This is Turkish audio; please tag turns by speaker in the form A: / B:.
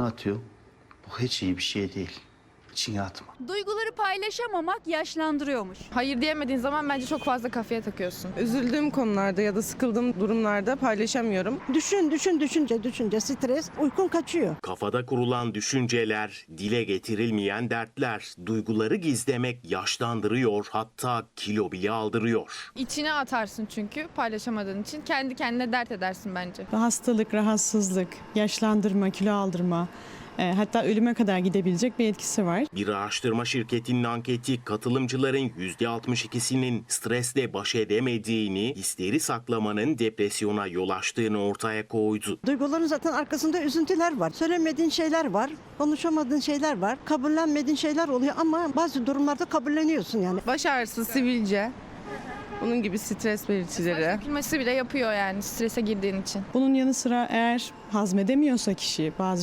A: atıyor. Bu hiç iyi bir şey değil. İçine atma.
B: Duyguları paylaşamamak yaşlandırıyormuş.
C: Hayır diyemediğin zaman bence çok fazla kafaya takıyorsun.
D: Üzüldüğüm konularda ya da sıkıldığım durumlarda paylaşamıyorum.
E: Düşünce stres, uykun kaçıyor.
F: Kafada kurulan düşünceler, dile getirilmeyen dertler, duyguları gizlemek yaşlandırıyor, hatta kilo bile aldırıyor.
C: İçine atarsın çünkü paylaşamadığın için. Kendi kendine dert edersin bence.
G: Hastalık, rahatsızlık, yaşlandırma, kilo aldırma, hatta ölüme kadar gidebilecek bir etkisi var.
F: Bir araştırma şirketinin anketi katılımcıların %62'sinin stresle baş edemediğini, hisleri saklamanın depresyona yol açtığını ortaya koydu.
E: Duyguların zaten arkasında üzüntüler var. Söylemediğin şeyler var, konuşamadığın şeyler var, kabullenmediğin şeyler oluyor ama bazı durumlarda kabulleniyorsun yani.
D: Baş ağrısı, sivilce, bunun gibi stres belirtileri.
C: Dökülmesi bile yapıyor yani strese girdiğin için.
G: Bunun yanı sıra eğer hazmedemiyorsa kişi bazı